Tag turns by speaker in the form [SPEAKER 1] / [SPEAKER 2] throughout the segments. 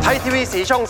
[SPEAKER 1] ไทยทีวีสีช่อง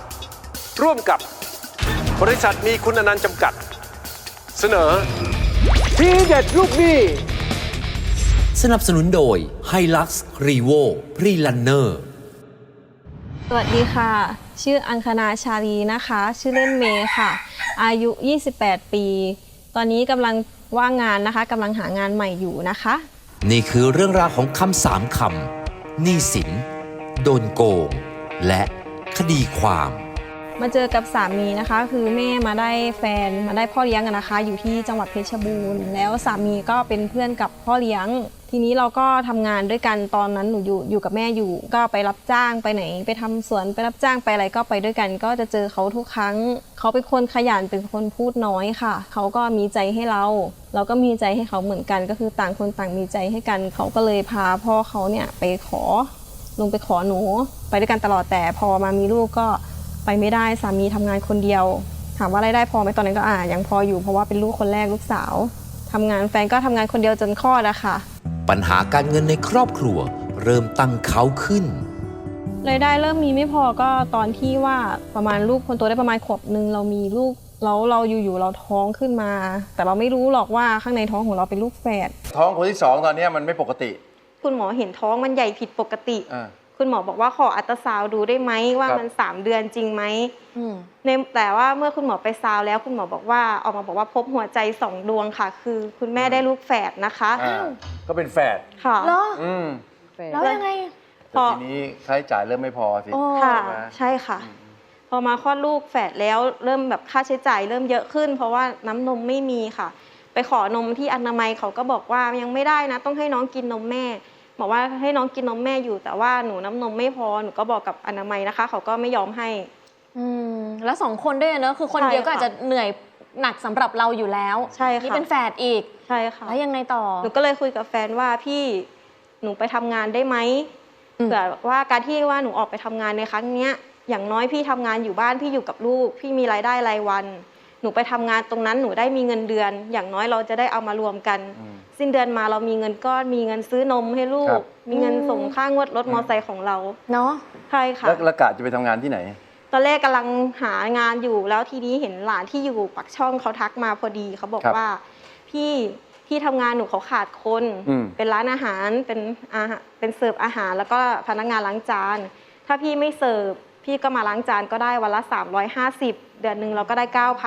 [SPEAKER 1] 3 ร่วมกับบริษัทมีคุณอนันต์จำกัด เสนอทีเด็ดลูกหนี้
[SPEAKER 2] สนับสนุนโดย Hilux Revo Pre-Runner
[SPEAKER 3] สวัสดีค่ะชื่ออังคณาชาลีนะคะชื่อเล่นเมย์ค่ะอายุ28 ปีตอนนี้กำลังว่างงานนะคะกำลังหางานใหม่อยู่นะคะ
[SPEAKER 2] นี่คือเรื่องราวของคำสามคำหนี้สินโดนโกงและคดีความ
[SPEAKER 3] มาเจอกับสามีนะคะคือแม่มาได้แฟนมาได้พ่อเลี้ยงนะคะอยู่ที่จังหวัดเพชรบูรณ์แล้วสามีก็เป็นเพื่อนกับพ่อเลี้ยงทีนี้เราก็ทำงานด้วยกันตอนนั้นหนูอยู่กับแม่อยู่ก็ไปรับจ้างไปไหนไปทำสวนไปรับจ้างไปอะไรก็ไปด้วยกันก็จะเจอเขาทุกครั้งเขาเป็นคนขยันเป็นคนพูดน้อยค่ะเขาก็มีใจให้เราก็มีใจให้เขาเหมือนกันก็คือต่างคนต่างมีใจให้กันเขาก็เลยพาพ่อเขาเนี่ยไปขอลงไปขอหนูไปด้วยกันตลอดแต่พอมามีลูกก็ไปไม่ได้สามีทำงานคนเดียวถามว่ารายได้พอไหมตอนนั้นก็ยังพออยู่เพราะว่าเป็นลูกคนแรกลูกสาวทำงานแฟนก็ทำงานคนเดียวจนคลอดอะค่ะ
[SPEAKER 2] ปัญหาการเงินในครอบครัวเริ่มตั้งเขาขึ้น
[SPEAKER 3] รายได้เริ่มมีไม่พอก็ตอนที่ว่าประมาณลูกคนโตได้ประมาณขวบนึงเรามีลูกแล้วเราอยู่ๆเราท้องขึ้นมาแต่เราไม่รู้หรอกว่าข้างในท้องของเราเป็นลูกแฝด
[SPEAKER 1] ท้องคนที่2ตอนนี้มันไม่ปกติ
[SPEAKER 3] คุณหมอเห็นท้องมันใหญ่ผิดปกติคุณหมอบอกว่าขออัลตราซาวด์ดูได้ไหมว่ามัน3 เดือนจริงไหมแต่ว่าเมื่อคุณหมอไปซาวแล้วคุณหมอบอกว่าออกมาบอกว่าพบหัวใจ2 ดวงค่ะคือคุณแม่ได้ลูกแฝดนะคะ
[SPEAKER 1] ก็เป็นแฝด
[SPEAKER 3] ค่ะ
[SPEAKER 4] แล้วยังไง
[SPEAKER 1] แต่ทีนี้ค่าใช้จ่ายเริ่มไม่พอสิ
[SPEAKER 3] ค่ะใช่ค่ะพอมาคลอดลูกแฝดแล้วเริ่มแบบค่าใช้จ่ายเริ่มเยอะขึ้นเพราะว่าน้ำนมไม่มีค่ะไปขอนมที่อนามัยเขาก็บอกว่ายังไม่ได้นะต้องให้น้องกินนมแม่บอกว่าให้น้องกินนมแม่อยู่แต่ว่าหนูน้ำนมไม่พอหนูก็บอกกับอนามัยนะคะเขาก็ไม่ยอมให้
[SPEAKER 4] แล้ว2 คนด้วยเนอะคือคนเดียวก็อาจจะเหนื่อยหนักสำหรับเราอยู่แล้ว
[SPEAKER 3] ใช่ค่ะ
[SPEAKER 4] นี่เป็นแฝดอีก
[SPEAKER 3] ใช่ค่ะ
[SPEAKER 4] แล้วยังไงต่อ
[SPEAKER 3] หนูก็เลยคุยกับแฟนว่าพี่หนูไปทำงานได้ไหมเผื่อว่าการที่ว่าหนูออกไปทำงานในครั้งนี้อย่างน้อยพี่ทำงานอยู่บ้านพี่อยู่กับลูกพี่มีรายได้รายวันหนูไปทำงานตรงนั้นหนูได้มีเงินเดือนอย่างน้อยเราจะได้เอามารวมกันสิ้นเดือนมาเรามีเงินก้อนมีเงินซื้อนมให้ลูกมีเงินส่งค่างวดรถมอเตอร์ไซค์ของเรา
[SPEAKER 4] เนาะ
[SPEAKER 3] ใช่ค่ะ
[SPEAKER 1] แล้วกะจะไปทำงานที่ไหน
[SPEAKER 3] ตอนแรกกำลังหางานอยู่แล้วทีนี้เห็นหลานที่อยู่ปากช่องเขาทักมาพอดีเขาบอกว่าพี่ที่ทำงานหนูเขาขาดคนเป็นร้านอาหารเป็นเสิร์ฟอาหารแล้วก็พนักงานล้างจานถ้าพี่ไม่เสิร์ฟพี่ก็มาล้างจานก็ได้วันละ350เดือนหนึ่งเราก็ได้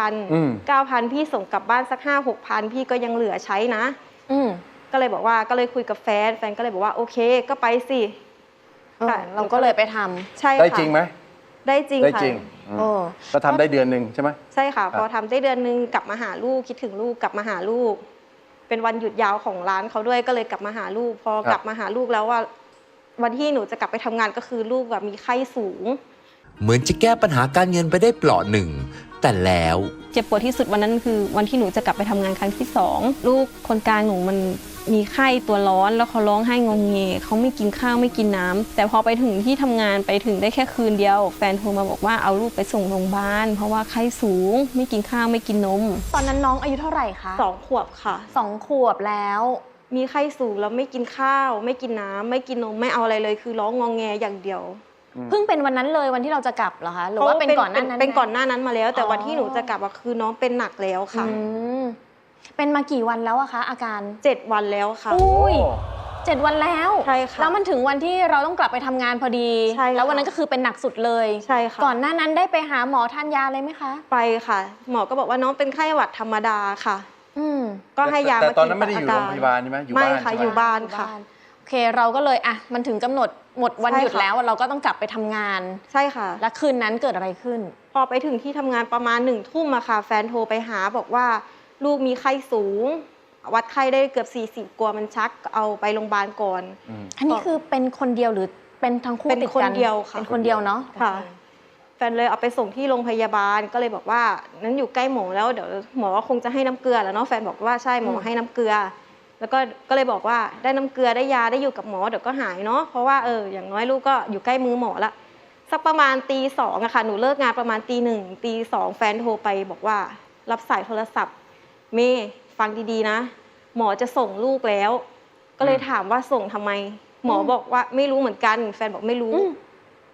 [SPEAKER 3] 9,000 พี่ส่งกลับบ้านสัก 5-6,000 พี่ก็ยังเหลือใช้นะก็เลยบอกว่าก็เลยคุยกับแฟนก็เลยบอกว่าโอเคก็ไปสิ
[SPEAKER 4] เราก็เลยไปทำ
[SPEAKER 3] ใช่ค่ะ
[SPEAKER 1] ได้จริงไหม
[SPEAKER 3] ได้จริงค่ะ
[SPEAKER 1] ก็ทำได้เดือนหนึ่งใช่ไหม
[SPEAKER 3] ใช่ค่ะพอทำได้เดือนหนึ่งกลับมาหาลูกคิดถึงลูกกลับมาหาลูกเป็นวันหยุดยาวของร้านเขาด้วยก็เลยกลับมาหาลูกพอกลับมาหาลูกแล้วว่าวันที่หนูจะกลับไปทำงานก็คือลูกแบบมีไข้สูง
[SPEAKER 2] เหมือนจะแก้ปัญหาการเงินไปได้เปลาะหนึ่งแต่แล้ว
[SPEAKER 3] เจ็บปวดที่สุดวันนั้นคือวันที่หนูจะกลับไปทำงานครั้งที่2ลูกคนกลางหนูมันมีไข้ตัวร้อนแล้วเขาร้องไห้งงเงเขาไม่กินข้าวไม่กินน้ำแต่พอไปถึงที่ทำงานไปถึงได้แค่คืนเดียวแฟนโทรมาบอกว่าเอาลูกไปส่งโรงพยาบาลเพราะว่าไข้สูงไม่กินข้าวไม่กินนม
[SPEAKER 4] ตอนนั้นน้องอายุเท่าไหร่คะ
[SPEAKER 3] 2 ขวบค่ะ
[SPEAKER 4] 2 ขวบแล้ว
[SPEAKER 3] มีไข้สูงแล้วไม่กินข้าวไม่กินน้ำไม่กินนมไม่เอาอะไรเลยคือร้องงงแงอย่างเดียว
[SPEAKER 4] เพิ่งเป็นวันนั้นเลยวันที่เราจะกลับเหรอคะหรือว่าเป็นก่อนหน้านั้น
[SPEAKER 3] เป็นก่อนหน้านั้นมาแล้วแต่วันที่หนูจะกลับคือน้องเป็นหนักแล้วค่ะ
[SPEAKER 4] เป็นมากี่วันแล้วอะคะอาการ
[SPEAKER 3] 7 วันแล้วค่ะ
[SPEAKER 4] อุ้ย7 วันแล้ว
[SPEAKER 3] ใช่ค่ะ
[SPEAKER 4] แล้วมันถึงวันที่เราต้องกลับไปทำงานพอดีแล้ววันนั้นก็คือเป็นหนักสุดเลย
[SPEAKER 3] ใช่ค่ะ
[SPEAKER 4] ก่อนหน้านั้นได้ไปหาหมอทานยาเลยไหมคะ
[SPEAKER 3] ไปค่ะหมอก็บอกว่าน้องเป็นไข้หวัดธรรมดาค่ะก็ให้ยา
[SPEAKER 1] แต่ตอนนั้นไม่ได้อยู่โรงพยาบาลใช่ไหมอยู่บ้าน
[SPEAKER 3] ไม่ค่ะอยู่บ้านค่ะ
[SPEAKER 4] โอเคเราก็เลยมันถึงกำหนดหมดวันหยุดแล้วเราก็ต้องกลับไปทำงาน
[SPEAKER 3] ใช่ค่ะ
[SPEAKER 4] แล้วคืนนั้นเกิดอะไรขึ้น
[SPEAKER 3] พอไปถึงที่ทำงานประมาณ1 ทุ่มอะค่ะแฟนโทรไปหาบอกว่าลูกมีไข้สูงวัดไข้ได้เกือบ40กว่ามันชักเอาไปโรงพยาบาลก่อน
[SPEAKER 4] อันนี้คือเป็นคนเดียวหรือเป็นทั้งคู่ติดกัน
[SPEAKER 3] เป็นคนเดียวค่ะ
[SPEAKER 4] เป็นคนเดียวเนาะ
[SPEAKER 3] ค่ะแฟนเลยเอาไปส่งที่โรงพยาบาลก็เลยบอกว่านั้นอยู่ใกล้หมอแล้วเดี๋ยวหมอคงจะให้น้ำเกลือแล้วเนาะแฟนบอกว่าใช่หมอให้น้ำเกลือแล้วก็เลยบอกว่าได้น้ำเกลือได้ยาได้อยู่กับหมอเดี๋ยวก็หายเนาะเพราะว่าอย่างน้อยลูกก็อยู่ใกล้มือหมอละสักประมาณตี2อะค่ะหนูเลิกงานประมาณตี 1ตี 2แฟนโทรไปบอกว่ารับสายโทรศัพท์เมย์ฟังดีๆนะหมอจะส่งลูกแล้วก็เลยถามว่าส่งทำไมหมอบอกว่าไม่รู้เหมือนกันแฟนบอกไม่รู้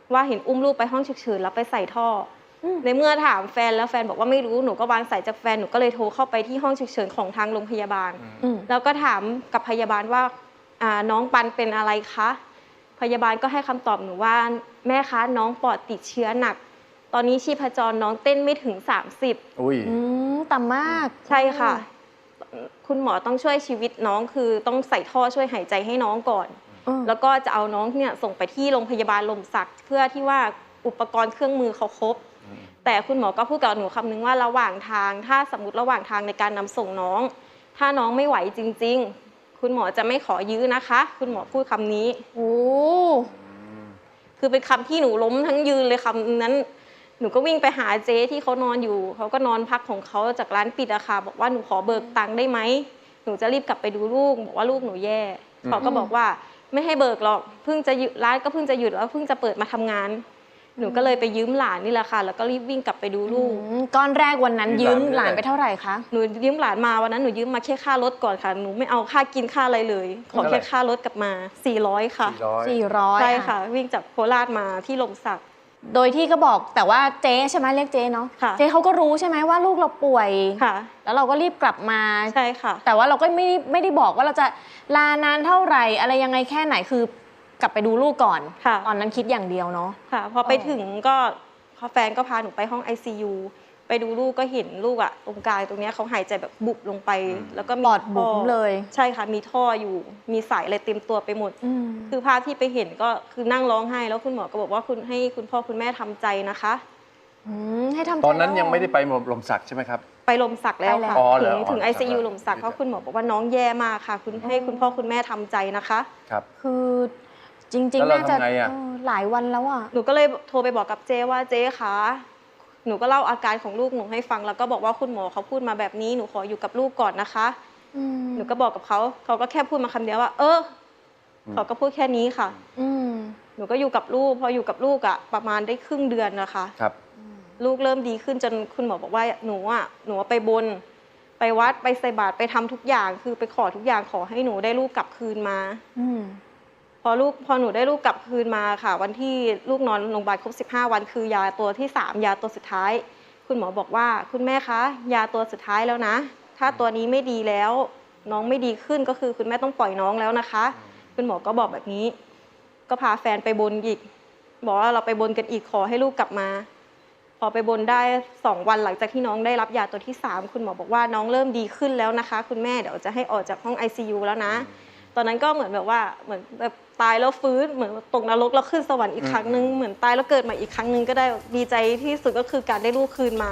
[SPEAKER 3] ว่าเห็นอุ้มลูกไปห้องฉุกเฉินแล้วไปใส่ท่ออในเมื่อถามแฟนแล้วแฟนบอกว่าไม่รู้หนูก็วางสายจากแฟนหนูก็เลยโทรเข้าไปที่ห้องฉุกเฉินของทางโรงพยาบาล แล้วก็ถามกับพยาบาลว่าน้องปันเป็นอะไรคะพยาบาลก็ให้คำตอบหนูว่าแม่คะน้องปอดติดเชื้อหนักตอนนี้ชีพจรน้องเต้นไม่ถึง30
[SPEAKER 1] อุ้ย
[SPEAKER 4] ต่ำมาก
[SPEAKER 3] ใช่ค่ะคุณหมอต้องช่วยชีวิตน้องคือต้องใส่ท่อช่วยหายใจให้น้องก่อนแล้วก็จะเอาน้องเนี่ยส่งไปที่โรงพยาบาลลมศักดิ์เพื่อที่ว่าอุปกรณ์เครื่องมือเขาครบแต่คุณหมอก็พูดกับหนูคำนึงว่าระหว่างทางถ้าสมมติระหว่างทางในการนำส่งน้องถ้าน้องไม่ไหวจริงๆคุณหมอจะไม่ขอยื้อนะคะคุณหมอพูดคำนี้
[SPEAKER 4] โอ้
[SPEAKER 3] คือเป็นคำที่หนูล้มทั้งยืนเลยคำนั้นหนูก็วิ่งไปหาเจ๊ที่เขานอนอยู่เขาก็นอนพักของเขาจากร้านปิดอะค่ะบอกว่าหนูขอเบิกตังค์ได้ไหมหนูจะรีบกลับไปดูลูกบอกว่าลูกหนูแย่เขาก็บอกว่าไม่ให้เบิกหรอกเพิ่งจะหยุดร้านก็เพิ่งจะหยุดแล้วเพิ่งจะเปิดมาทำงานหนูก็เลยไปยืมหลานนี่แหละค่ะแล้วก็รีบวิ่งกลับไปดูลูก
[SPEAKER 4] ก้อนแรกวันนั้นยืมหลานไปเท่าไหร่คะ
[SPEAKER 3] หนูยืมหลานมาวันนั้นหนูยืมมาแค่ค่ารถก่อนค่ะหนูไม่เอาค่ากินค่าอะไรเลยขอแค่ค่ารถกลับมา400ค่ะ
[SPEAKER 4] 400
[SPEAKER 3] ใช่ค่ะวิ่งจากโคราชมาที่ลมศักดิ์
[SPEAKER 4] โดยที่ก็บอกแต่ว่าเจ๊ใช่ไหมเรียกเจ๊เนาะเจ๊เขาก็รู้ใช่ไหมว่าลูกเราป่วย
[SPEAKER 3] ค่ะ
[SPEAKER 4] แล้วเราก็รีบกลับมา
[SPEAKER 3] ใช่ค่ะ
[SPEAKER 4] แต่ว่าเราก็ไม่ได้บอกว่าเราจะลานานเท่าไหร่อะไรยังไงแค่ไหนคือกลับไปดูลูกก่อนตอนนั้นคิดอย่างเดียวเนาะ
[SPEAKER 3] ค่ะพอไปถึงก็แฟนก็พาหนูไปห้อง ICU ไปดูลูกก็เห็นลูกอะตรงกลางตรงนี้เขาหายใจแบบบุบลงไปแล้วก็
[SPEAKER 4] ปอดบุ๋มเลย
[SPEAKER 3] ใช่ค่ะมีท่ออยู่มีสายอะไรเต็มตัวไปหมดคือภาพที่ไปเห็นก็คือนั่งร้องไห้แล้วคุณหมอก็บอกว่าให้คุณพ่อคุณแม่ทำใจนะคะ
[SPEAKER 4] ให้ทำใจ
[SPEAKER 1] ตอนนั้นยังไม่ได้ไปลมศักดิ์ใช่ไหมครับ
[SPEAKER 3] ไปลมศักดิ์แล้วค่ะถึง ICU ลมศักดิ์เพราะคุณหมอบอกว่าน้องแย่มากค่ะให้คุณพ่อคุณแม่ทำใจนะคะ
[SPEAKER 1] ครับ
[SPEAKER 4] คือจริงๆน่าจะหลายวันแล้วอ่ะ
[SPEAKER 3] หนูก็เลยโทรไปบอกกับเจ๊ว่าเจ๊คะหนูก็เล่าอาการของลูกหนูให้ฟังแล้วก็บอกว่าคุณหมอเขาพูดมาแบบนี้หนูขออยู่กับลูกก่อนนะคะหนูก็บอกกับเขาก็แค่พูดมาคำเดียวว่าเขาก็พูดแค่นี้ค่ะหนูก็อยู่กับลูกพออยู่กับลูกอ่ะประมาณได้ครึ่งเดือนนะคะ
[SPEAKER 1] ครับ
[SPEAKER 3] ลูกเริ่มดีขึ้นจนคุณหมอบอกว่าหนูไปบนไปวัดไปใส่บาตรไปทำทุกอย่างคือไปขอทุกอย่างขอให้หนูได้ลูกกลับคืนมาพอหนูได้ลูกกลับคืนมาค่ะวันที่ลูกนอนโรงพยาบาลครบ15 วันคือยาตัวที่3ยาตัวสุดท้ายคุณหมอบอกว่าคุณแม่คะยาตัวสุดท้ายแล้วนะถ้าตัวนี้ไม่ดีแล้วน้องไม่ดีขึ้นก็คือคุณแม่ต้องปล่อยน้องแล้วนะคะคุณหมอก็บอกแบบนี้ก็พาแฟนไปบนอีกบอกว่าเราไปบนกันอีกขอให้ลูกกลับมาพอไปบนได้2 วันหลังจากที่น้องได้รับยาตัวที่3คุณหมอบอกว่าน้องเริ่มดีขึ้นแล้วนะคะคุณแม่เดี๋ยวจะให้ออกจากห้อง ICU แล้วนะตอนนั้นก็เหมือนแบบว่าเหมือนแบบตายแล้วฟื้นเหมือนตกนรกแล้วขึ้นสวรรค์อีกครั้งนึงเหมือนตายแล้วเกิดมาอีกครั้งนึงก็ได้ดีใจที่สุดก็คือการได้ลูกคืนมา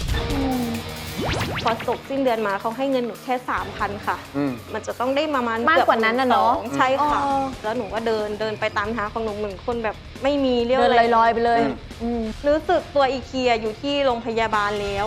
[SPEAKER 3] พอตกสิ้นเดือนมาเขาให้เงินหนูแค่ 3,000 ค่ะมันจะต้องได้ประมาณ
[SPEAKER 4] มากกว่านั้นนะเนาะ
[SPEAKER 3] ใช่ค่ะแล้วหนูก็เดินไปตามทางของหนูเหมือนคนแบบไม่มีเรี่ยว
[SPEAKER 4] แรงลอยๆไปเลย
[SPEAKER 3] รู้สึกตัวอีกทีอยู่ที่โรงพยาบาลแล้ว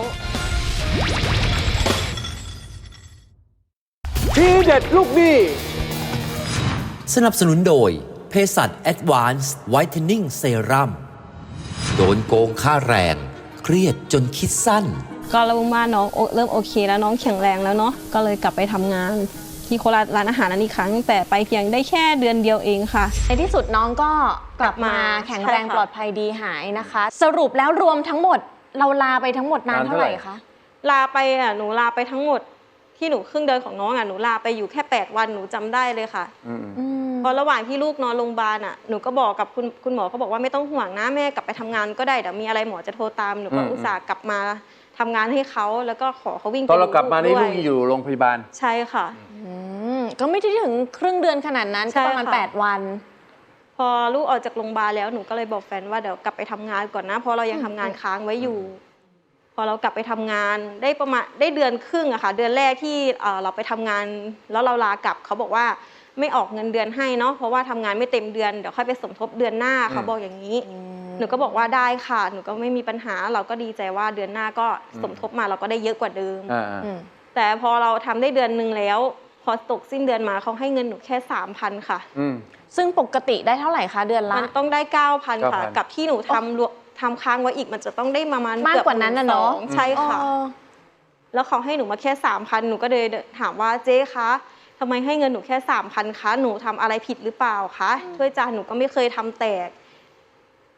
[SPEAKER 1] ทีเด็ดลูกหนี้
[SPEAKER 2] สนับสนุนโดยเภสัช Advanced Whitening Serum โดนโกงค่าแรงเครียดจนคิดสั้น
[SPEAKER 3] ก็รู้ว่าน้องเริ่มโอเคแล้วน้องแข็งแรงแล้วเนาะก็เลยกลับไปทำงานที่โคราชร้านอาหารนั้นอีกครั้งแต่ไปเพียงได้แค่เดือนเดียวเองค่ะ
[SPEAKER 4] ในที่สุดน้องก็กลับมาแข็งแรงปลอดภัยดีหายนะคะสรุปแล้วรวมทั้งหมดเราลาไปทั้งหมดนานเท่าไหร่คะ
[SPEAKER 3] ลาไปหนูลาไปทั้งหมดที่หนูครึ่งเดือนของน้องหนูลาไปอยู่แค่8 วันหนูจำได้เลยค่ะพอระหว่างที่ลูกนอนโรงพยาบาลหนูก็บอกกับคุณหมอเขาบอกว่าไม่ต้องห่วงนะแม่กลับไปทำงานก็ได้เดี๋ยวมีอะไรหมอจะโทรตามหนูก็อุตส่าห์กลับมาทำงานให้เขาแล้วก็ขอเขาวิ่ง
[SPEAKER 1] ตอนเรากลับมานี่ลูกอยู่โรงพยาบาล
[SPEAKER 3] ใช่ค่ะ
[SPEAKER 4] ก็ไม่ได้ถึงครึ่งเดือนขนาดนั้นก็ประมาณ8 วัน
[SPEAKER 3] พอลูกออกจากโรงพยาบาลแล้วหนูก็เลยบอกแฟนว่าเดี๋ยวกลับไปทำงานก่อนนะเพราะเรายังทำงานค้างไว้อยู่พอเรากลับไปทำงานได้ประมาณได้เดือนครึ่งอะค่ะเดือนแรกที่เราไปทำงานแล้วเราลากลับเขาบอกว่าไม่ออกเงินเดือนให้เนาะเพราะว่าทำงานไม่เต็มเดือนเดี๋ยวค่อยไปสมทบเดือนหน้าเขาบอกอย่างนี้หนูก็บอกว่าได้ค่ะหนูก็ไม่มีปัญหาเราก็ดีใจว่าเดือนหน้าก็สมทบมาเราก็ได้เยอะกว่าเดิมแต่พอเราทำได้เดือนนึงแล้วพอตกสิ้นเดือนมาเขาให้เงินหนูแค่ 3,000 ค่ะ
[SPEAKER 4] ซึ่งปกติได้เท่าไหร่คะเดือนละ
[SPEAKER 3] มันต้องได้ 9,000 ค่ะกับที่หนูทำค้างไว้อีกมันจะต้องได้ประมาณ
[SPEAKER 4] มากกว่านั้นนะเนาะ
[SPEAKER 3] ใช่ค่ะแล้วเขาให้หนูมาแค่ 3,000 หนูก็เลยถามว่าเจ๊คะทำไมให้เงินหนูแค่ 3,000 คะหนูทำอะไรผิดหรือเปล่าคะถ้วยจานหนูก็ไม่เคยทำแตก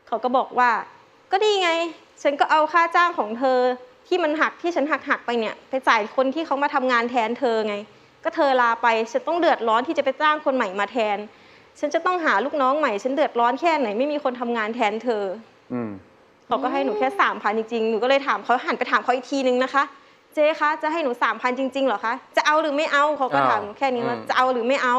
[SPEAKER 3] เขาก็บอกว่าก็ดีไงฉันก็เอาค่าจ้างของเธอที่มันหักที่ฉันหักไปเนี่ยไปจ่ายคนที่เขามาทำงานแทนเธอไงก็เธอลาไปฉันต้องเดือดร้อนที่จะไปจ้างคนใหม่มาแทนฉันจะต้องหาลูกน้องใหม่ฉันเดือดร้อนแค่ไหนไม่มีคนทำงานแทนเธอเขาก็ให้หนูแค่3,000จริงๆหนูก็เลยถามเขาหันไปถามเขาอีกทีนึงนะคะเจ๊คะจะให้หนู3,000จริงๆเหรอคะจะเอาหรือไม่เอาเขาก็ถามหนูแค่นี้ว่าจะเอาหรือไม่เอา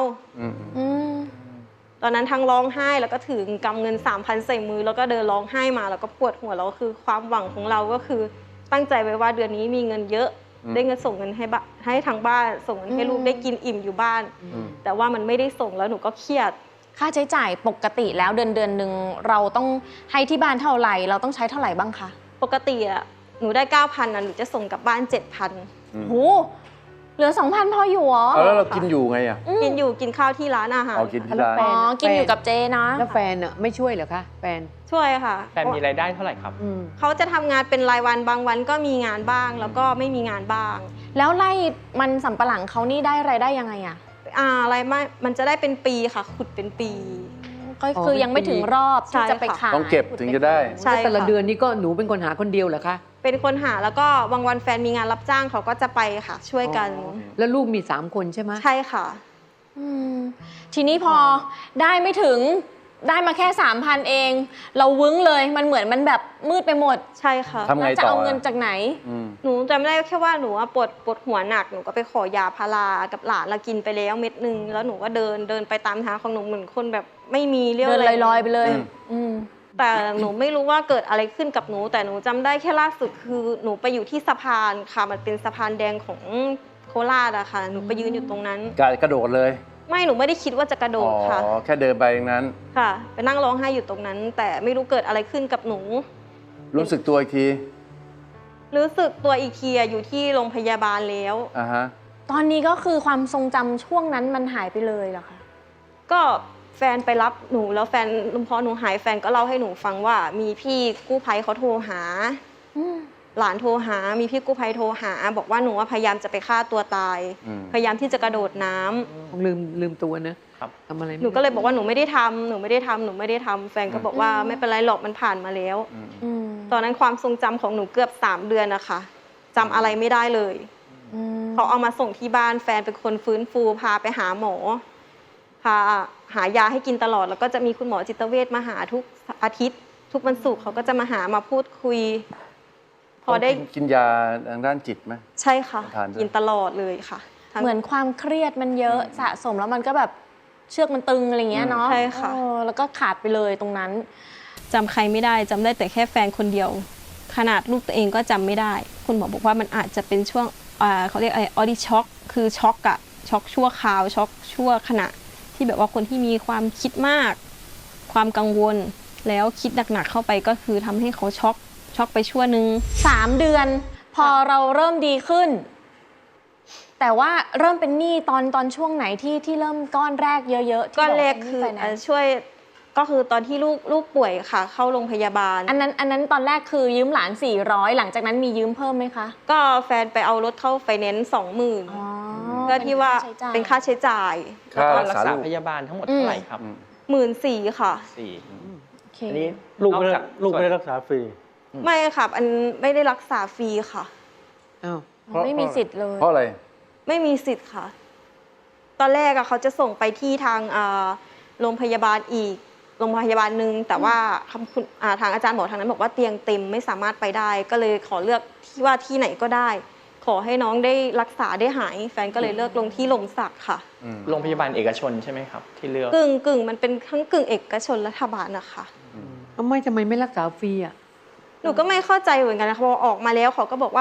[SPEAKER 3] ตอนนั้นทั้งร้องไห้แล้วก็ถือกำเงิน3,000ใส่มือแล้วก็เดินร้องไห้มาแล้วก็ปวดหัวแล้วคือความหวังของเราก็คือตั้งใจไว้ว่าเดือนนี้มีเงินเยอะได้เงินส่งเงินให้ทางบ้านส่งเงินให้ลูกได้กินอิ่มอยู่บ้านแต่ว่ามันไม่ได้ส่งแล้วหนูก็เครียด
[SPEAKER 4] ค่าใช้จ่ายปกติแล้วเดือนหนึ่งเราต้องให้ที่บ้านเท่าไหร่เราต้องใช้เท่าไหร่บ้างคะ
[SPEAKER 3] ปกติอะหนูได้ 9,000นะหนูจะส่งกลับบ้าน 7,000
[SPEAKER 4] โหเหลือ 2,000 พออยู่เหรอ
[SPEAKER 1] แล้วเรากินอยู่ไงอ่ะ
[SPEAKER 3] กินข้าวที่ร้านอาหาร
[SPEAKER 1] กินที่ร้าน
[SPEAKER 4] กินอยู่กับเจนะ
[SPEAKER 5] แล้วแฟนอะไม่ช่วยเหรอคะแฟน
[SPEAKER 3] ช่วยค่ะ
[SPEAKER 6] แฟนมีรายได้เท่าไหร่ครับ
[SPEAKER 3] เขาจะทำงานเป็นรายวันบางวันก็มีงานบ้างแล้วก็ไม่มีงานบ้าง
[SPEAKER 4] แล้วไร่มันสำปะหลังเขานี่ได้รายได้ยังไงอะ
[SPEAKER 3] อะไรไม่มันจะได้เป็นปีค่ะขุดเป็นปี
[SPEAKER 4] ก็คือยังไม่ถึงรอบที่จะไปขาย
[SPEAKER 1] ต้องเก็บถึงจะได้
[SPEAKER 5] ใช่แต่ละเดือนนี้ก็หนูเป็นคนหาคนเดียวเหรอคะ
[SPEAKER 3] เป็นคนหาแล้วก็บางวันแฟนมีงานรับจ้างเขาก็จะไปค่ะช่วยกัน
[SPEAKER 5] แล้วลูกมี3คนใช่ไหม
[SPEAKER 3] ใช่ค่ะ
[SPEAKER 4] ทีนี้พอได้ไม่ถึงได้มาแค่ 3,000 เองเราวึ้งเลยมันเหมือนมันแบบมืดไปหมด
[SPEAKER 3] ใช่ค่ะ
[SPEAKER 1] ทำไงต่อ
[SPEAKER 4] จะเอาเงินจากไหน
[SPEAKER 3] หนูจำได้แค่ว่าหนูปวดหัวหนักหนูก็ไปขอยาพารากับหลานละกินไปแล้วเม็ดนึงแล้วหนูก็เดินไปตามทางของหนูเหมือนคนแบบไม่มีเรี่ยว
[SPEAKER 4] เดินลอยๆไปเลย
[SPEAKER 3] แต่หนูไม่รู้ว่าเกิดอะไรขึ้นกับหนูแต่หนูจำได้แค่ล่าสุดคือหนูไปอยู่ที่สะพานค่ะมันเป็นสะพานแดงของโคราชอะค่ะหนูไปยืนอยู่ตรงนั้น
[SPEAKER 1] กระโดดเลย
[SPEAKER 3] ไม่หนูไม่ได้คิดว่าจะกระโดดค่ะ
[SPEAKER 1] แค่เดินไปอย่างนั้น
[SPEAKER 3] ค่ะไปนั่งร้องไห้อยู่ตรงนั้นแต่ไม่รู้เกิดอะไรขึ้นกับหนู
[SPEAKER 1] รู้สึกตัวอีกที
[SPEAKER 3] รู้สึกตัวอีกทีอยู่ที่โรงพยาบาลแล้ว
[SPEAKER 4] ตอนนี้ก็คือความทรงจำช่วงนั้นมันหายไปเลยเหรอคะ
[SPEAKER 3] ก็แฟนไปรับหนูแล้วแฟนพอหนูหายแฟนก็เล่าให้หนูฟังว่ามีพี่กู้ภัยเขาโทรหาหลานโทรหามีพี่กู้ภัยโทรหาบอกว่าหนูพยายามจะไปฆ่าตัวตายพยายามที่จะกระโดดน้
[SPEAKER 5] ำลืมตัวนะ
[SPEAKER 3] ทำอะไรหนูก็เลยบอกว่าหนูไม่ได้ทำแฟนก็บอกว่าไม่เป็นไรหรอกมันผ่านมาแล้วตอนนั้นความทรงจำของหนูเกือบ3 เดือนนะคะจำอะไรไม่ได้เลยเขาเอามาส่งที่บ้านแฟนเป็นคนฟื้นฟูพาไปหาหมอพาหายาให้กินตลอดแล้วก็จะมีคุณหมอจิตเวชมาหาทุกอาทิตย์ทุกวันศุกร์เขาก็จะมาหามาพูดคุย
[SPEAKER 1] พอได้กินยาทางด้านจิตไหม
[SPEAKER 3] ใช่ค่ะกินตลอดเลยค่ะ
[SPEAKER 4] เหมือนความเครียดมันเยอะสะสมแล้วมันก็แบบเชือกมันตึงอะไรเงี้ยเนาะ
[SPEAKER 3] ใช่ค่ะ
[SPEAKER 4] แล้วก็ขาดไปเลยตรงนั้น
[SPEAKER 3] จำใครไม่ได้จำได้แต่แค่แฟนคนเดียวขนาดลูกตัวเองก็จำไม่ได้คุณหมอบอกว่ามันอาจจะเป็นช่วงเขาเรียกออดิช็อกคือช็อกชั่วคราวช็อกชั่วขณะที่แบบว่าคนที่มีความคิดมากความกังวลแล้วคิดหนักๆเข้าไปก็คือทำให้เขาช็อกไปชั่วนึง
[SPEAKER 4] 3 เดือนพอเราเริ่มดีขึ้นแต่ว่าเริ่มเป็นหนี้ตอนช่วงไหนที่เริ่มก้อนแรกเยอะๆ
[SPEAKER 3] ก้อนแรกคือช่วยก็คือตอนที่ลูกป่วยค่ะเข้าโรงพยาบาล
[SPEAKER 4] อันนั้นตอนแรกคือยืมหลาน400หลังจากนั้นมียืมเพิ่มไหมคะ
[SPEAKER 3] ก็แฟนไปเอารถเข้าไฟแนนซ์ 20,000เพื่อที่ว่าเป็นค่าใช้จ่าย
[SPEAKER 6] แล้วก็รักษาพยาบาลทั้งหมดเท่าไหร่ครับ
[SPEAKER 3] 14,000ค่ะ
[SPEAKER 6] อันนี้ลูกไม่ได้รักษาฟรี
[SPEAKER 3] ไม่ค่ะอันไม่ได้รักษาฟรีค่ะ
[SPEAKER 4] ไม่มีสิทธิ์เลย
[SPEAKER 1] เพราะอะไร
[SPEAKER 3] ไม่มีสิทธิ์ค่ะตอนแรกเขาจะส่งไปที่ทางโรงพยาบาลอีกโรงพยาบาลหนึ่งแต่ว่าทางอาจารย์หมอทางนั้นบอกว่าเตียงเต็มไม่สามารถไปได้ก็เลยขอเลือกที่ว่าที่ไหนก็ได้ขอให้น้องได้รักษาได้หายแฟนก็เลยเลือกลงที่ลมศักดิ์ค่ะ
[SPEAKER 6] โรงพยาบาลเอกชนใช่ไหมครับที่เลือก
[SPEAKER 3] กึ่งมันเป็นทั้งกึ่งเอกชนรัฐบาลนะคะ
[SPEAKER 5] ทำไมไม่รักษาฟรีอ่ะ
[SPEAKER 3] หนูก็ไม่เข้าใจเหมือนกันนะพอออกมาแล้วเขาก็บอกว่า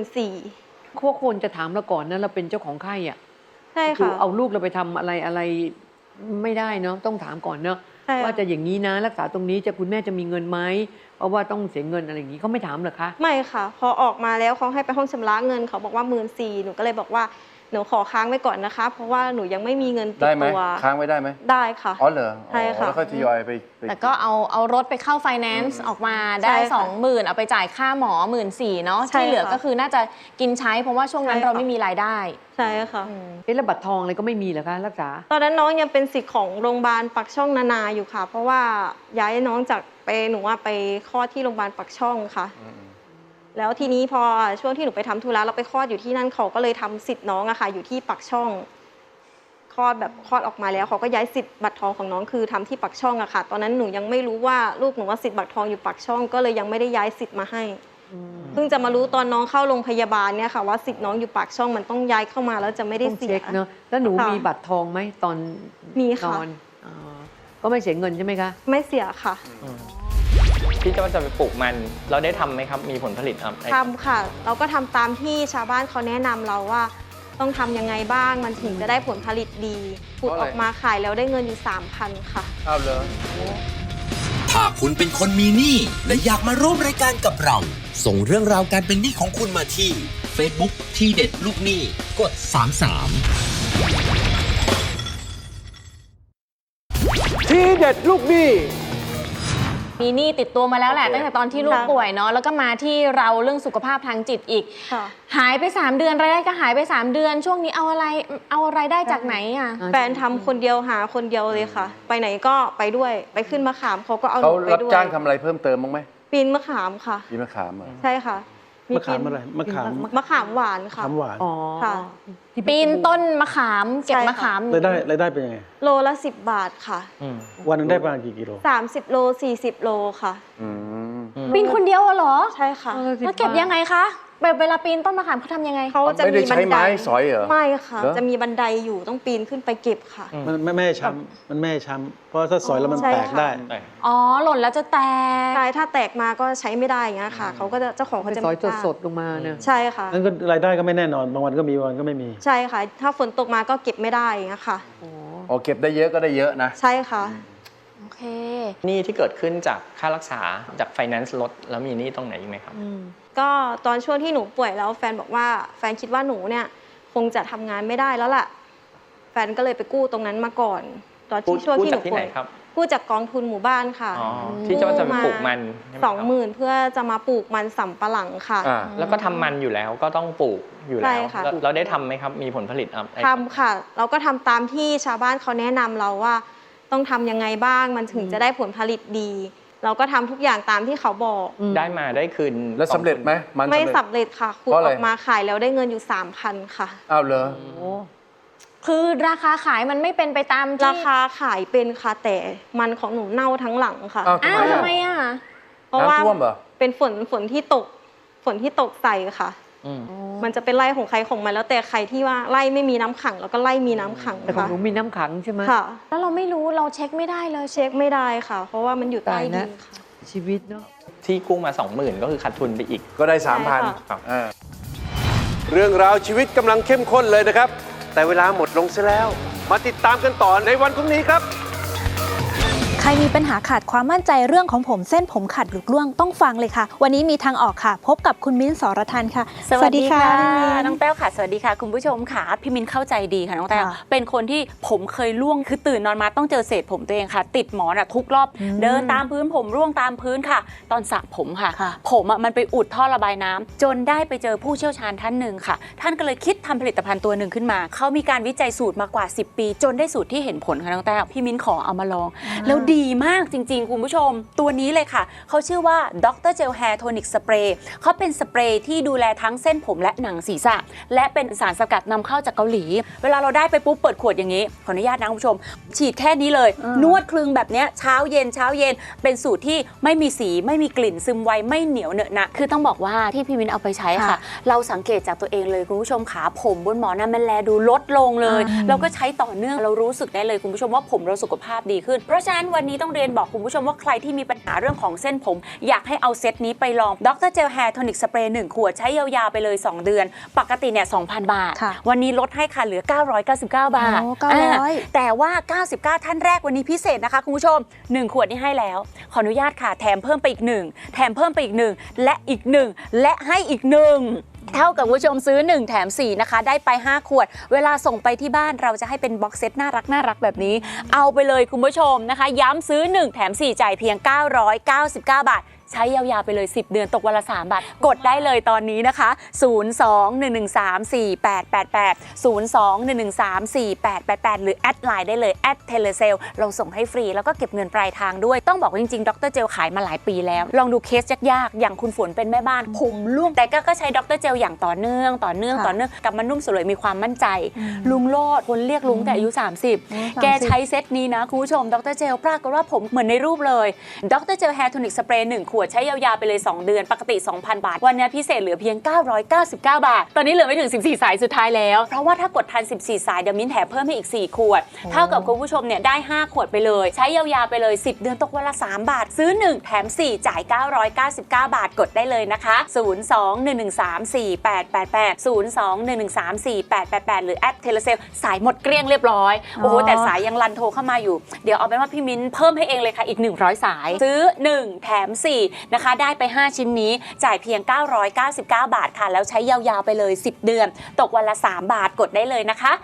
[SPEAKER 3] 14,000
[SPEAKER 5] พวกคนจะถามเราก่อนนะเราเป็นเจ้าของไข้อ่ะ
[SPEAKER 3] ใช่ค่ะ
[SPEAKER 5] เอาลูกเราไปทำอะไรไม่ได้เนาะต้องถามก่อนเนาะว่าจะอย่างนี้นะรักษาตรงนี้คุณแม่จะมีเงินไหมเพราะว่าต้องเสียเงินอะไรอย่างนี้เขาไม่ถามเหรอคะ
[SPEAKER 3] ไม่ค่ะพอออกมาแล้วเขาให้ไปห้องชำระเงินเขาบอกว่า14,000หนูก็เลยบอกว่าหนูขอค้างไว้ก่อนนะคะเพราะว่าหนูยังไม่มีเงินติดตัว
[SPEAKER 1] ค้างไว้ได้ไหม
[SPEAKER 3] ได้ค่ะ
[SPEAKER 1] อ๋อเหรอ
[SPEAKER 3] ใช่ค่ะ
[SPEAKER 1] แล้วก็ทยอยไป
[SPEAKER 4] แต่ก็เอารถไปเข้าไฟแนนซ์ออกมาได้ 20,000เอาไปจ่ายค่าหมอ14,000เนาะที่เหลือก็คือน่าจะกินใช้เพราะว่าช่วงนั้นเราไม่มีรายได้
[SPEAKER 3] ใช่ค่ะ
[SPEAKER 5] แล้วบัตรทองอะไรก็ไม่มีเหรอคะรักษา
[SPEAKER 3] ตอนนั้นน้องยังเป็นสิทธิ์ของโรงพยาบาลปักช่องนานาอยู่ค่ะเพราะว่าย้ายน้องจากหนูว่าไปคลอดที่โรงพยาบาลปักช่องค่ะแล้วทีนี้พอช่วงที่หนูไปทำธุระเราไปคลอดอยู่ที่นั่นเขาก็เลยทำสิทธิ์น้องอะค่ะอยู่ที่ปักช่องคลอดออกมาแล้วเขาก็ย้ายสิทธิ์บัตรทองของน้องคือทำที่ปักช่องอะค่ะตอนนั้นหนูยังไม่รู้ว่าลูกหนูว่าสิทธิ์บัตรทองอยู่ปักช่องก็เลยยังไม่ได้ย้ายสิทธิ์มาให้เพิ่งจะมารู้ตอนน้องเข้าโรงพยาบาลเนี่ยค่ะว่าสิทธิ์น้องอยู่ปากช่องมันต้องย้ายเข้ามาแล้วจะไม่ได้
[SPEAKER 5] ต้อง
[SPEAKER 3] เสีย
[SPEAKER 5] เช็คเนาะแล้วหนู
[SPEAKER 3] ค่ะ
[SPEAKER 5] มีบัตรทองไหมตอน
[SPEAKER 3] มี
[SPEAKER 5] น
[SPEAKER 3] ค่ะ
[SPEAKER 5] อนอ๋อก็ไม่เสียเงินใช่ไหมคะ
[SPEAKER 3] ไม่เสียค่ะ
[SPEAKER 7] ที่จะไปปลูกมันเราได้ทำไหมครับมีผลผลิตครับ
[SPEAKER 3] ทำค่ะ เราก็ทำตามที่ชาวบ้านเขาแนะนำเราว่าต้องทำยังไงบ้างมันถึงจะได้ผลผลิตดีขุดออกมาขายแล้วได้เงินอยู่ 3,000 ค่ะ
[SPEAKER 1] เอาเลย
[SPEAKER 2] ถ้าคุณเป็นคนมีหนี้และอยากมาร่วมรายการกับเรา ส่งเรื่องราวการเป็นหนี้ของคุณมาที่ Facebook ที่เด็ดลูกหนี้กด 33
[SPEAKER 1] ทีเด็ดลูกหนี้
[SPEAKER 4] มีหนี้ติดตัวมาแล้วแหละ
[SPEAKER 1] โอเค
[SPEAKER 4] ตั้งแต่ตอนที่ลูก
[SPEAKER 3] ค่ะ
[SPEAKER 4] ป่วยเนาะแล้วก็มาที่เราเรื่องสุขภาพทางจิตอีก
[SPEAKER 3] ค่ะ
[SPEAKER 4] หายไป3 เดือนรายได้ก็หายไป3 เดือน ช่วงนี้เอาอะไรได้จากไหนอ่ะ
[SPEAKER 3] แฟนทำคนเดียวหาคนเดียวเลยค่ะ ไปไหนก็ไปด้วยไปขึ้นมะขามเขาก็เอาห
[SPEAKER 8] เขา
[SPEAKER 3] นูไป
[SPEAKER 8] รับ
[SPEAKER 3] ด้วย
[SPEAKER 8] จ้างทำอะไรเพิ่มเติมบ้างไหม
[SPEAKER 3] ปีนมะขามค่ะ
[SPEAKER 8] ปีมะขามเหรอ
[SPEAKER 3] ใช่ค่ะ
[SPEAKER 6] มะขามอะไรมะขาม
[SPEAKER 3] มะขามหวานค่ะ
[SPEAKER 6] ขามหวาน
[SPEAKER 5] อ๋อ
[SPEAKER 3] ค่ะ
[SPEAKER 5] ที่
[SPEAKER 4] ปีนต้นมะขามเก็บ
[SPEAKER 3] ใช่ค่ะ
[SPEAKER 4] มะขาม
[SPEAKER 6] รายได้เป็นยังไง
[SPEAKER 3] โลละ10 บาทค่ะ
[SPEAKER 6] วันหนึงได้ประมาณกี่กิโล
[SPEAKER 3] 30 โล 40 โลค่ะ
[SPEAKER 8] อืม
[SPEAKER 4] ปีนคนเดียวเหรอ
[SPEAKER 3] ใช่ค่ะ
[SPEAKER 4] แล้วเก็บยังไงคะแบบเวลาปีนต้นมะขามเขาทำยังไง
[SPEAKER 3] เขาจะ
[SPEAKER 8] ไม่ได้
[SPEAKER 3] มีบั
[SPEAKER 8] ใช้
[SPEAKER 3] นได
[SPEAKER 8] ไม้สอยเหรอ
[SPEAKER 3] ไม่ค่ะ
[SPEAKER 8] เหรอ
[SPEAKER 3] จะมีบันไดอยู่ต้องปีนขึ้นไปเก็บค่ะ
[SPEAKER 6] มันไม่ให้ช้ำมันไม่ให้ช้ำเพราะถ้าสอยแล้วมัน
[SPEAKER 3] ใช่
[SPEAKER 6] แตก
[SPEAKER 3] ค่ะ
[SPEAKER 6] ได้
[SPEAKER 4] อ๋อหล่นแล้วจะแตก
[SPEAKER 3] ใช่ถ้าแตกมาก็ใช้ไม่ได้อย่างเงี้ยค่ะเขาก็จะเจ้าของ
[SPEAKER 5] ไป
[SPEAKER 3] เขาจะ
[SPEAKER 5] ซอย
[SPEAKER 3] ไม่กล้า
[SPEAKER 5] สดๆลงมาเนี่ย
[SPEAKER 3] ใช่ค่ะ
[SPEAKER 6] นั่นก็รายได้ก็ไม่แน่นอนบางวันก็มีบางวันก็ไม่มี
[SPEAKER 3] ใช่ค่ะ ถ้าฝนตกมาก็เก็บไม่ได้อย่างเงี้ยค่ะ
[SPEAKER 8] อ๋อเก็บได้เยอะก็ได้เยอะนะ
[SPEAKER 3] ใช่ค่ะ
[SPEAKER 4] โอเค
[SPEAKER 7] หนี้ที่เกิดขึ้นจากค่ารักษาจากไฟแนนซ์ลดแล้วมีหนี้ตรงไหนอีกไหมครับ
[SPEAKER 3] ก็ตอนช่วงที่หนูป่วยแล้วแฟนบอกว่าแฟนคิดว่าหนูเนี่ยคงจะทำงานไม่ได้แล้วล่ะ แฟนก็เลยไปกู้ตรงนั้นมาก่อน ตอนที่ช่วงที่หนู
[SPEAKER 7] กู้จากที่
[SPEAKER 3] ป่
[SPEAKER 7] ไหน
[SPEAKER 3] วย
[SPEAKER 7] ครับ
[SPEAKER 3] กู้จากกองทุนหมู่บ้านค่ะ
[SPEAKER 7] อ๋อที่จะไปปลูกมันใช่ไหมครับ
[SPEAKER 3] 20,000เพื่อจะมาปลูกมันสำปะหลังค่ะ
[SPEAKER 8] อ่า
[SPEAKER 7] แล้วก็ทำมันอยู่แล้วก็ต้องปลูกอยู่
[SPEAKER 3] ใช่
[SPEAKER 7] แล้ว
[SPEAKER 3] ค่ะ
[SPEAKER 7] แล้วเราได้ทำไหมครับมีผลผลิตครับ
[SPEAKER 3] ทำค่ะ เราก็ทำตามที่ชาวบ้านเขาแนะนำเราว่าต้องทำยังไงบ้างมันถึงจะได้ผลผลิตดี เราก็ทำทุกอย่างตามที่เขาบอก
[SPEAKER 7] ได้มาได้คืน
[SPEAKER 8] แล้วสำเร็จไหมมัน
[SPEAKER 3] ไม่
[SPEAKER 8] สำเร็จ
[SPEAKER 3] สำเร็จค่ะขุด
[SPEAKER 8] เพราะอะไร
[SPEAKER 3] ออกมาขายแล้วได้เงินอยู่ 3,000 ค่ะ
[SPEAKER 8] อ้าวเหรอ
[SPEAKER 4] คือราคาขายมันไม่เป็นไปตามที่
[SPEAKER 3] ราคาขายเป็นค่ะแต่มันของหนูเน่าทั้งหลังค่ะ
[SPEAKER 8] อ้าว
[SPEAKER 4] อ้าวทำไม
[SPEAKER 8] อ่ะ
[SPEAKER 4] อ่ะ
[SPEAKER 3] เพราะว่า
[SPEAKER 8] น้ำท่วมเหรอ
[SPEAKER 3] เป็นฝนที่ตกใส่ค่ะ มันจะเป็นไร่ของใครของมันแล้วแต่ใครที่ว่าไร่ไม่มีน้ำขังแล้วก็ไร่มีน้ำขัง
[SPEAKER 5] แต่ของ
[SPEAKER 3] ค่ะ
[SPEAKER 5] หนูมีน้ำขังใช่ไหม
[SPEAKER 3] ค่ะ
[SPEAKER 4] แล้วเราไม่รู้เราเช็คไม่ได้เลย
[SPEAKER 3] เช็คไม่ได้ค่ะ เพราะว่ามันอยู่ใต้
[SPEAKER 5] ตาย
[SPEAKER 3] ดิ
[SPEAKER 5] นะ
[SPEAKER 3] นค่ะ
[SPEAKER 5] ชีวิตเนาะ
[SPEAKER 7] ที่กู้มา 20,000ก็คือขาดทุนไปอีก
[SPEAKER 8] ก็ได้
[SPEAKER 3] ใช่ค่ะ
[SPEAKER 8] 3,000อ่า
[SPEAKER 1] เรื่องราวชีวิตกำลังเข้มข้นเลยนะครับ แต่เวลาหมดลงซะแล้ว มาติดตามกันต่อในวันพรุ่งนี้ครับ
[SPEAKER 9] ใครมีปัญหาขาดความมั่นใจเรื่องของผมเส้นผมขาดหลุดร่วงต้องฟังเลยค่ะ วันนี้มีทางออกค่ะ พบกับคุณมิ้นท์ สรทันค่ะ
[SPEAKER 10] สวัสดีค่ะ
[SPEAKER 9] พี่มิ้น
[SPEAKER 10] น้องแต้วค่ะ สวัสดีค่ะ คุณผู้ชมค่ะพี่มินเข้าใจดีค่ะน้องแต้ว
[SPEAKER 9] ค่ะ
[SPEAKER 10] เป็นคนที่ผมเคยร่วงคือตื่นนอนมาต้องเจอเศษผมตัวเองค่ะ ติดหมอนทุกรอบ เดินตามพื้นผมร่วงตามพื้นค่ะ ตอนสระผมค่ะ
[SPEAKER 9] ค่ะ
[SPEAKER 10] ผมมันไปอุดท่อระบายน้ำจนได้ไปเจอผู้เชี่ยวชาญท่านหนึ่งค่ะ ท่านก็เลยคิดทำผลิตภัณฑ์ตัวหนึ่งขึ้นมาเขามีการวิจัยสูตรมากว่า10 ปี จนได้สูตรที่เห็นผลค่ะน้องแต้วพี่มินขอเอามาลอง แล้วดีมากจริงๆคุณผู้ชมตัวนี้เลยค่ะเขาชื่อว่าดรเจลแฮร์โทนิกสเปรย์เขาเป็นสเปรย์ที่ดูแลทั้งเส้นผมและหนังศีรษะและเป็นสารสกัดนำเข้าจากเกาหลีเวลาเราได้ไปปุ๊บเปิดขวดอย่างนี้ขออนุญาตนะคุณผู้ชมฉีดแค่นี้เลยนวดคลึงแบบเนี้ยเช้าเย็นเป็นสูตรที่ไม่มีสีไม่มีกลิ่นซึมไวไม่เหนียวเหนอะหนะคือต้องบอกว่าที่พี่มินเอาไปใช้ค่ะ เราสังเกตจากตัวเองเลยคุณผู้ชมขาผมบนหมอนน่ะมันแลดูลดลงเลยเราก็ใช้ต่อเนื่องเรารู้สึกได้เลยคุณผู้ชมว่าผมเราสุขภาพดีขึ้นเพราะฉะนั้นวันนี้ต้องเรียนบอกคุณผู้ชมว่าใครที่มีปัญหาเรื่องของเส้นผมอยากให้เอาเซตนี้ไปลองดรเจลแฮร์โทนิกสเปรย์1 ขวดใช้ยาวๆไปเลย 2 เดือน ปกติเนี่ย 2,000 บาท
[SPEAKER 9] ค่ะ
[SPEAKER 10] วันนี้ลดให้ค่ะเหลือ 999 บาท
[SPEAKER 9] โอ้900
[SPEAKER 10] แต่ว่า 99 ท่านแรกวันนี้พิเศษนะคะคุณผู้ชม 1 ขวดนี่ให้แล้ว ขออนุญาตค่ะแถมเพิ่มไปอีก 1 แถมเพิ่มไปอีก 1 และอีก 1 และให้อีก 1 เท่ากับคุณผู้ชมซื้อ 1 แถม 4 นะคะ ได้ไป 5 ขวด เวลาส่งไปที่บ้านเราจะให้เป็นบ็อกเซตน่ารักแบบนี้ เอาไปเลยคุณผู้ชมนะคะ ย้ำซื้อ 1 แถม 4 จ่ายเพียง 999 บาทใช้ยาวๆไปเลย 10 เดือนตกวันละ 3 บาท กดได้เลยตอนนี้นะคะ 02-113-4888 02-113-4888 หรือแอดไลน์ได้เลยเทเลเซลเราส่งให้ฟรีแล้วก็เก็บเงินปลายทางด้วยต้องบอกว่าจริงๆดรเจลขายมาหลายปีแล้วลองดูเคสยากๆอย่างคุณฝนเป็นแม่บ้านผมร่วงแต่ก็ใช้ดรเจลอย่างต่อเนื่องกลับมานุ่มสลวยมีความมั่นใจลุงโลดคนเรียกลุงแต่อายุ30แกใช้เซตนี้นะคุณผู้ชมดรเจลปรากฏว่าผมเหมือนในรูปเลยดรเจลแฮร์โทนิกสเปรย์1ขวดใช้ยาวๆไปเลย2 เดือนปกติ 2,000 บาทวันนี้พิเศษเหลือเพียง999 บาทตอนนี้เหลือไม่ถึง14สายสุดท้ายแล้วเพราะว่าถ้ากดทัน14สายเดี๋ยวมิ้นแถมเพิ่มให้อีก4ขวดเท่ากับคุณผู้ชมเนี่ยได้5ขวดไปเลยใช้ยาวๆไปเลย10 เดือนตกวันละ3 บาทซื้อ1แถม4จ่าย999 บาทกดได้เลยนะคะ02-113-4888 02-113-4888 หรือแอดเทเลเซลสายหมดเกลี้ยงเรียบร้อยโอ้โหแต่สายยังรันโทรเข้ามาอยู่เดี๋ยวเอาเป็นว่าพี่มิ้นเพิ่มให้เองเลยค่ะอีก100สายซื้อ1แถม4นะคะได้ไป5ชิ้นนี้จ่ายเพียง999 บาทค่ะแล้วใช้ยาวๆไปเลย10 เดือนตกวันละ3 บาทกดได้เลยนะคะ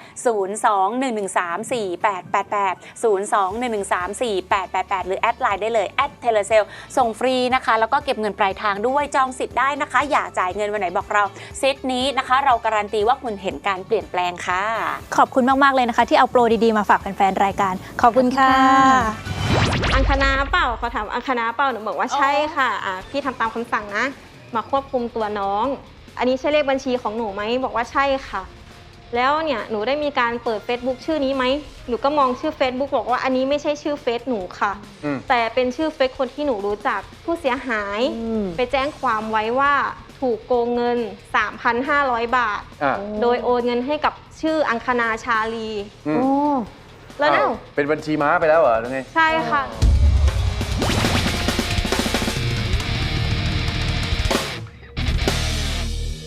[SPEAKER 10] 02-113-4888 02-113-4888 หรือแอดไลน์ได้เลยแอดเทเลเซลส่งฟรีนะคะแล้วก็เก็บเงินปลายทางด้วยจองสิทธิ์ได้นะคะอย่าจ่ายเงินวันไหนบอกเราเซตนี้นะคะเราการันตีว่าคุณเห็นการเปลี่ยนแปลงค่ะ
[SPEAKER 9] ขอบคุณมากๆเลยนะคะที่เอาโปรดีๆมาฝากแฟนๆรายการขอบคุณค่ะ
[SPEAKER 3] อังคณาเปล่าเขาถามอังคณาเปล่าหนูบอกว่าใช่ค่ะพี่ทำตามคำสั่งนะมาควบคุมตัวน้องอันนี้ใช่เลขบัญชีของหนูไหมบอกว่าใช่ค่ะแล้วเนี่ยหนูได้มีการเปิด Facebook ชื่อนี้ไหมหนูก็มองชื่อ Facebook บอกว่าอันนี้ไม่ใช่ชื่อเฟซหนูค่ะแต่เป็นชื่อเฟซคนที่หนูรู้จักผู้เสียหายไปแจ้งความไว้ว่าถูกโกงเงิน 3,500 บาทโดยโอนเงินให้กับชื่ออังคณาชาลีแล้ว
[SPEAKER 8] เป็นบัญชีม้าไปแล้วเหรอหรือไง
[SPEAKER 3] ใช่ค่ะ